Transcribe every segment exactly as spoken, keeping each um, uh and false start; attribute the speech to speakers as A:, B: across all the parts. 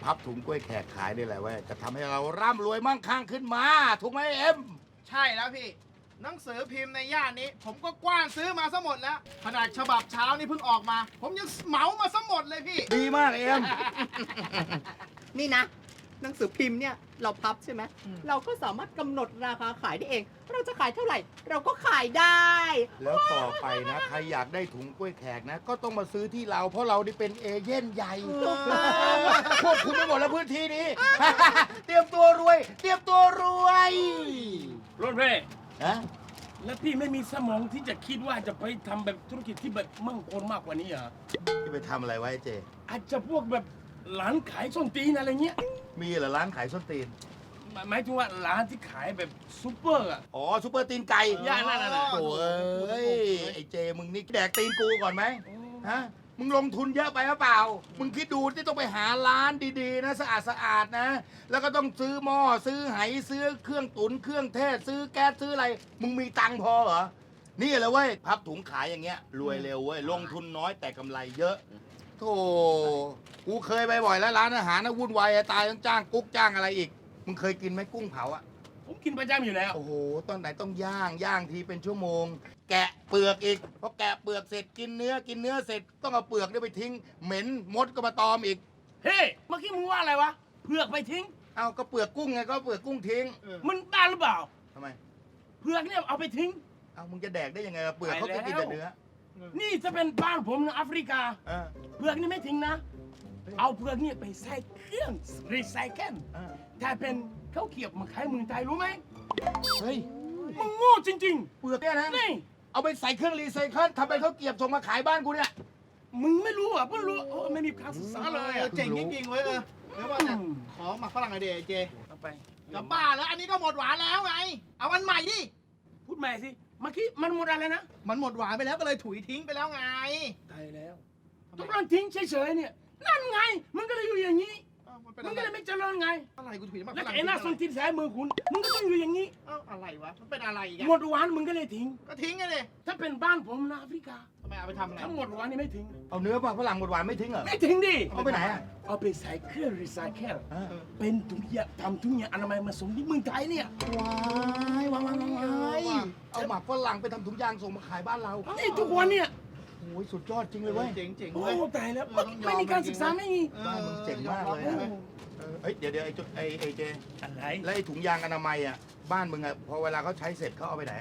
A: พับถุงกล้วยแขกขายนี่แหละเว้ยจะทำให้เราร่ำรวยมั่งคั่งขึ้นมาถูกไหมเอ็ม
B: ใช่แล้วพี่หนังสือพิมพ์ในย่านนี้ ผมก็กว้านซื้อมาซะหมดแล้วขนาดฉบับเช้านี่เพิ่งออกมา ผมยังเหมามาซะหมดเลยพี่
A: ดีมากเอ็ม
C: นี่นะหนังสือพิมพ์เนี่ยเราพับใช่ไหมเราก็สามารถกำหนดราคาขายได้เอง เราจะขายเท่าไหร่ เราก็ขายได้
A: แล้วต่อไปนะใครอยากได้ถุงกล้วยแขกนะก็ต้องมาซื้อที่เราเพราะเราได้เป็นเอเย่นใหญ่ควบคุมไปหมดแล้วพื้นที่นี้ เตรียมตัวรวย เตรียมตัวรวย
D: รถเพ่
A: ฮะ
D: แล้วพี่ไม่มีสมองที่จะคิดว่าจะไปทำแบบธุรกิจที่แบบมั่งคงมากกว่านี้เหรอ
A: จะไปทำอะไรไว้เจ
D: อาจจะพวกแบบร้านขายส้นตีนอะไรเงี้ย
A: มีเหรอร้านขายส้นตีน
D: หมายถึงว่าร้านที่ขายแบบซูเปอร์อ่ะ
A: อ๋อซูเปอร์ตีนไก่
D: ย่านั่นน่ะ
A: โอ้ยไอ้เจมึงนี่แดกตีนกูก่อนไหมฮะมึงลงทุนเยอะไปหรือเปล่ามึงคิดดูที่ต้องไปหาร้านดีๆนะสะอาดสะอาดนะแล้วก็ต้องซื้อหม้อซื้อไหซื้อเครื่องตุ๋นเครื่องเทศซื้อแก๊สซื้ออะไรมึงมีตังค์พอเหรอนี่แหละเว้ยพับถุงขายอย่างเงี้ยรวยเร็วเว้ยลงทุนน้อยแต่กำไรเยอะโธ่กูเคยไปบ่อยแล้วร้านอาหารนะวุ่นวายตายต้องจ้างกุ๊กจ้างอะไรอีกมึงเคยกินไหมกุ้งเผาอะ
D: ผมกินประจำอยู่แล้ว
A: โอ้โหตอนไหนต้องย่างย่างทีเป็นชั่วโมงแกะเปลือกอีกพอแกะเปลือกเสร็จกินเนื้อกินเนื้อเสร็จต้องเอาเปลือกเนี่ยไปทิ้งเหม็นมดก็มาตอมอีก
D: เฮ้เมื่อกี้มึงว่าอะไรวะเปลือกไปทิ้ง
A: เอาก็เปลือกกุ้งไงก็เปลือกกุ้งทิ้ง
D: มันบ้าหรือเปล่า
A: ทำไม
D: เปลือกเนี่ยเอาไปทิ้ง
A: เอามึงจะแดกได้ยังไงเปลือกเขาก็กินแต่เนื้อ
D: นี่จะเป็นบ้านผมนะแอฟริกาเปลือกนี่ไม่ทิ้งนะเอาเปลือกนี่ไปใส่เครื่องรีไซเคิลถ้าเป็นข้าวเกรียบมาขายเมืองไทยรู้ไหม
A: เฮ้ย
D: มึงโง่จริง
A: ๆเปลือกเนี่ยนะ
D: นี่
A: เอาไปใส่เครื่องรีไซเคิลทำเป็นข้าวเกรียบส่งมาขายบ้านกูเนี่ย
D: มึงไม่รู้อ่ะเพิ่งรู้ไม่มีการศึกษาเลย
B: เจ๋งจริงๆเว้ยเออแล้วว่าเนี่ยขอหมักฝรั่งไอเดียเจ
D: เอาไป
B: จะบ้าแล้วอันนี้ก็หมดหวานแล้วไงเอาอันใหม่ดิ
D: พูดใหม่สิเมื่อกี้มันหมดอะไรนะ
B: มันหมดหวานไปแล้วก็เลยถุยทิ้งไปแล้วไง
D: ตายแล้วทุกคนทิ้งเฉยๆเนี่ยนั่นไงมันก็เลยอยู่อย่างนี้มันก็เลยไม่เจริญไง
B: อะไรกูถุยมา
D: แล้วไอ้หน้าส้นตีนสายมือคุณมึงก็ต้องอยู่อย่างนี้
B: เอ้าอะไรวะมันเป็นอะไรอีก
D: หมดหวานมึงก็เลยทิ้ง
B: ก็ทิ้งไงเลย
D: ถ้าเป็นบ้านผมนะแอฟริกา
B: ทำไมเอาไปทำอะไร
D: ทั้งหมดหวานนี่ไม่ทิ้ง
A: เอาเนื้อมาฝรั่งหมดหวานไม่ทิ้งเหรอ
D: ไม่ทิ้งดิ
A: เอาไปไหนอ่ะ
D: เอาไปใส่เครื่องรีไซเคิลเป็นถุงยางทำถุงยางอนามัยมาส่งที่เมืองไทยเนี่ย
A: ว้ายว้ายว้ายเอาหมักฝรั่งไปทำถุงยางส่งมาขายบ้านเรา
D: นี่ทุกวันเนี่ย
A: โอ้ยสุดยอดจริงเลยเว้ย
B: เจ๋งๆ
D: โอ้
B: เว้ย
D: ตายแล้วไม่มีการศึกษาไม่มี
A: บ้านมึงเจ๋งมากเลยเฮ้ยเดี๋ยวเดี๋ยวไอ้ไอ้ไอ้เจ
D: อะไร
A: แล้วไอ้ถุงยางอนามัยอ่ะบ้านมึงอ่ะพอเวลาเขาใช้เสร็จเขาเอาไปไหน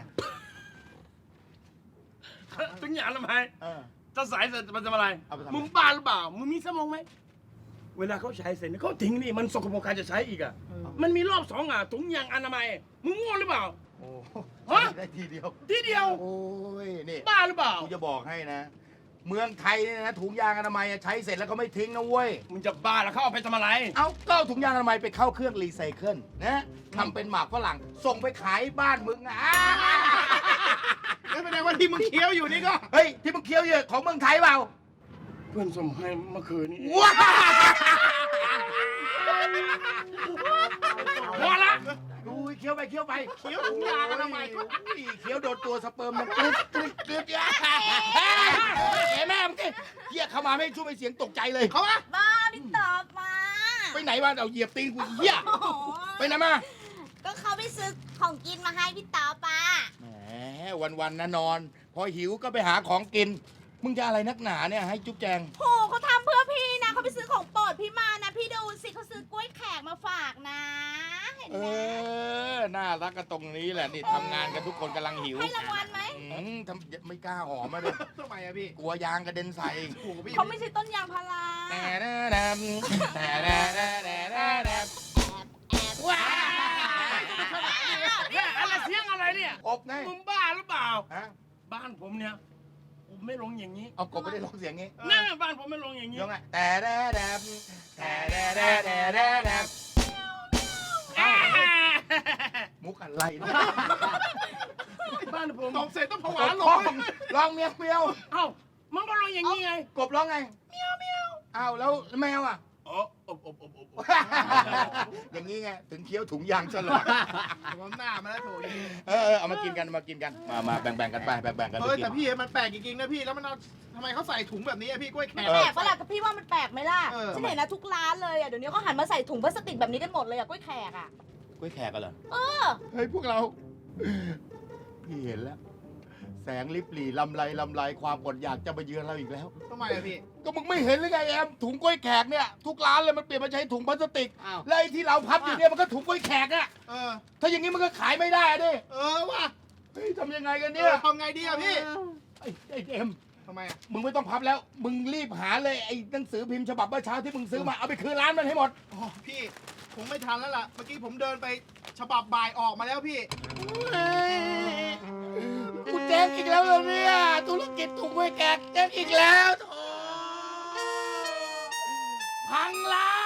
D: ถุงยางอนามัยจะใส่เสร็จมันจะอะไร
A: เอาไปทำ
D: มึงบ้าหรือเปล่ามึงมีสมองไหมเวลาเขาใช้เสร็จเขาทิ้งนี่มันสกปรกการจะใช้อีกอ่ะมันมีรอบสองอ่ะถุงยางอนามัยมึงโง่หรือเปล่า
A: โอ้
D: ฮะ
A: ได้ทีเดียว
D: ทีเดียว
A: โอ้ยนี่
D: บ้าหรือเปล่า
A: กูจะบอกให้นะเมืองไทยเนี่ยนะถุงยางอนามัยใช้เสร็จแล้วเขาไม่ทิ้งนะเว้ย
D: มึงจะบ้าแล้วเขาเอาไปทำอะไร
A: เอาก็ถุงยางอนามัยไปเข้าเครื่องรีไซเคิลนะทำเป็นหมากฝรั่งส่งไปขายบ้านมึงอ่ะ
B: ไม่เป็นไรว่าที่มึงเคี้ยวอยู่นี่ก็
A: เฮ้ยที่มึงเคี้ยวเยอะของเมืองไทยเปล่า
D: เพื่อนส่งให้เมื่อคืนนี้
A: ว้า
D: พอละ
A: ดูเคี้ยวไปเคี้ยวไป
B: เคี้ยวถุงยางอนามัย
A: เคี้ยวโดนตัวสเปิร์มมันกรึ๊ดกรึ๊ดกรึ๊ดเฮ้แม่มึงเฮียเข้ามาไม่ช่วยไปเสียงตกใจเลยเขาอะ
E: บ้าพี่ตอบมา
A: ไปไหนวะเอาเหยียบตีนกูเฮียไปไหนมา
E: ก็เขาไปซื้อของกินมาให้พี่ตอบป้า
A: แหมวันๆนะนอนพอหิวก็ไปหาของกินมึงจะอะไรนักหนาเนี่ยให้จุ๊บแจง
E: โหเขาทำเพื่อพี่นะเขาไปซื้อของโปรดพี่มานะพี่ดูสิเขาซื้อกล้วยแขกมาฝากนะเห็นไหม
A: เออน่ารักกันตรงนี้แหละนี่ทำงานกันทุกคนกำลังหิว
E: ให้รางวัลไหม
A: ทำไม่กล้าหอมมาเลย
B: ทำไมอะพี่
A: กลัวยางกระเด็นใส่
E: เขาไม่ใช่ต้นยางพารา
A: แต่แน่แน่แต่แน่แน่แน่แน่แน่
D: ว้าอะไรเสียงอะไรเนี่ย
A: อบไง
D: มึงบ้าหรือเปล่าบ้านผมเนี่ยผมไม่ลงอย่างนี้
A: เอากบไม่ได้ลงเสียงงี้
D: นั่นบ้านผมไม่ลงอย่างนี้
A: ลงไงแต่แน่แน่แต่แน่แน่แน่แน่แน่มุกอะไรนะ
D: บ้านผม
B: ตบเสร็จต้องผวาลง
A: ลองเมียวเมียว
D: เอ้ามันก็ลงอย่างนี้ไง
A: กบร้องไง
E: เมียวเมียว
A: อ้าวแล้วแมวอ่ะ
D: อ๋ออบอบอบอบ
A: อย่างอย่างนี้ไงถึงเคี้ยวถุงยางตลอด
B: ผมหน้ามาแล้วโถย
A: เออเออเอามากินกันเอามากินกันมามาแบ่งๆกันไปแบ่งๆกันไป
B: เฮ้ย
A: กิ
B: แต่
A: น
B: พี่มันแปลกจริงๆนะพี่แล้วมันเอาทำไมเขาใส่ถุงแบบนี้อะพี่กล้วยแขก
A: เอ
E: แป
A: อ
E: ลกปะล่ะก็พี่ว่ามันแปลกไหมล่ะ
B: เออ
E: ฉันเห็นนะทุกร้านเลยอ่ะเดี๋ยวนี้เขาหันมาใส่ถุงพลาสติกแบบนี้กันหมดเลยอ่ะกล้วยแขกอ่ะ
A: กล้วยแขกกันเหรอ
E: เออ
A: เฮ้ยพวกเรา พี่เห็นแล้ว แสงลิบหลีลำไรลำไรความอดอยากจะมาเยือนเราอีกแล้ว
B: ทำไมอะพี่
A: ก็มึงไม่เห็นหรือไงแอมถุงกล้วยแขกเนี่ยทุกร้านเลยมันเปลี่ยนมาใช้ถุงพลาสติก
C: อ้าว
A: แล้วไอ้ที่เราพับอยู่เนี่ยมันก็ถุงกล้วยแขกอะ
B: เออ
A: ถ้าอย่างนี้มันก็ขายไม่ได้อะดิ
B: เออว่ะ
A: เฮ้ยทำยังไงกัน
B: เอ
A: เนี่ย
B: อทำไงดีอะพี่
A: ไอ้ไอ้เอ็ม
B: ทำไมอะ
A: มึงไม่ต้องพับแล้ว มึงรีบหาเลยไอ้หนังสือพิมพ์ฉบับเมื่อเช้าที่มึงซื้อมาเอาไปคืนร้านมันให้หมด
B: โอ้พี่คงไม่ทันแล้วล่ะเมื่อกี้ผมเดินไปฉบับบ่ายออกมาแล้วพี่
A: กูเจ๊งอีกแล้วเหรอเนี่ยธุรกิจถุงกล้วยแขกเจ๊งอีกแล้วโถ่พังร้าน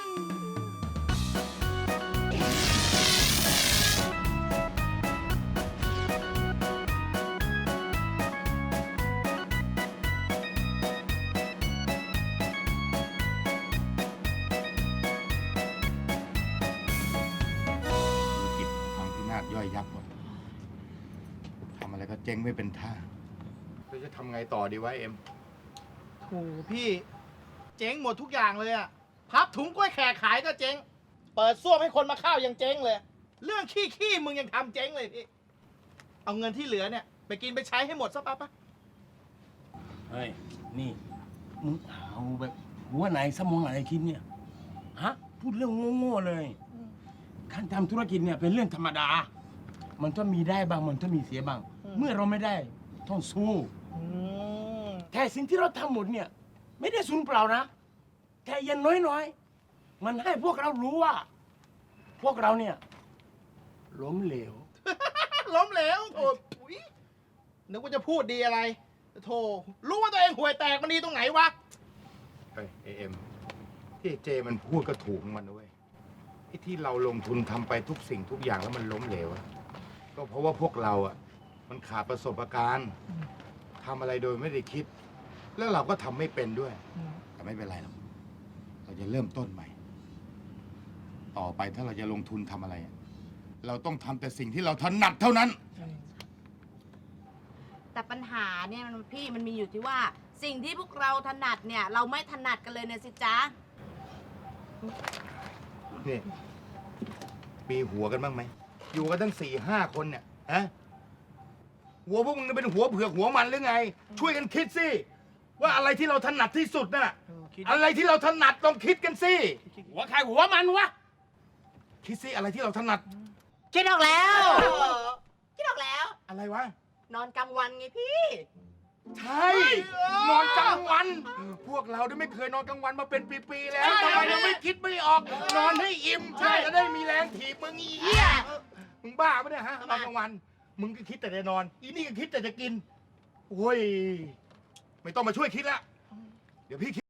A: ธุรกิจพังพินาศย่อยยับหมดทำอะไรก็เจ๊งไม่เป็นท่าเราจะทำไงต่อดีวะเอ็ม
B: โอ้พี่ เจ๊งหมดทุกอย่างเลยอะพับถุงกล้วยแขกขายก็เจ๊ง เปิดซ่วมให้คนมาเข้ายังเจ๊งเลย เรื่องขี้ขี้มึงยังทำเจ๊งเลยพี่ เอาเงินที่เหลือเนี่ยไปกินไปใช้ให้หมดซะปะปะ
D: เฮ้ย นี่ มึงเอาแบบหัวไหนสมองไหนคิดเนี่ย ฮะ พูดเรื่องโง่ๆเลย การทำธุรกิจเนี่ยเป็นเรื่องธรรมดา มันต้องมีได้บ้าง มันต้องมีเสียบ้าง เมื่อเราไม่ได้ต้องสู้
B: อืม
D: แต่สิ่งที่เราทำหมดเนี่ย ไม่ได้สูญเปล่านะ แต่อยันน้อยๆ มันให้พวกเรารู้ว่า พวกเราเนี่ยล้มเหลว
B: ล้มเหลวโอ้ยนึกว่าจะพูดดีอะไรโธ่รู้ว่าตัวเองห่วยแตกมันดีตรงไหนวะ
A: เฮ้ยเอ็มที่เจมันพูดก็ถูกของมันด้วยไอ้ที่เราลงทุนทำไปทุกสิ่งทุกอย่างแล้วมันล้มเหลวอะก็เพราะว่าพวกเราอ่ะ มันขาดประสบการณ์ทำอะไรโดยไม่ได้คิด แล้วเราก็ทำไม่เป็นด้วย แต่ไม่เป็นไรหรอกเราจะเริ่มต้นใหม่ ต่อไปถ้าเราจะลงทุนทำอะไรอะเราต้องทำแต่สิ่งที่เราถนัดเท่านั้น
E: แต่ปัญหาเนี่ยมันพี่มันมีอยู่ที่ว่า สิ่งที่พวกเราถนัดเนี่ย เราไม่ถนัดกันเลยเนี่ยสิจ๊ะ
A: นี่มีหัวกันบ้างไหม อยู่กันตั้งสี่ห้าคนเนี่ยฮะหัวพวกมึงเป็นหัวเผือกหัวมันหรือไง ช่วยกันคิดสิ ว่าอะไรที่เราถนัดที่สุดน่ะ อะไรที่เราถนัดลองคิดกันสิ
D: หัวใครหัวมันวะ
A: คิดสิอะไรที่เราถนัด
C: คิดออกแล้ว คิดออกแล้ว
A: อะไรวะ
C: นอนกลางวันไงพี่
A: ใช่ นอนกลางวัน พวกเราได้ไม่เคยนอนกลางวันมาเป็นปีๆแล้วทำไมยังไม่คิดไม่ออก นอนให้อิ่มใช่จะได้มีแรงถีบมึงอีเหี้ยมึงบ้าปะเนี่ยฮะนอนกลางวัน มึงก็คิดแต่จะนอน อีนี่ก็คิดแต่จะกิน โอ้ย ไม่ต้องมาช่วยคิดละ เดี๋ยวพี่คิด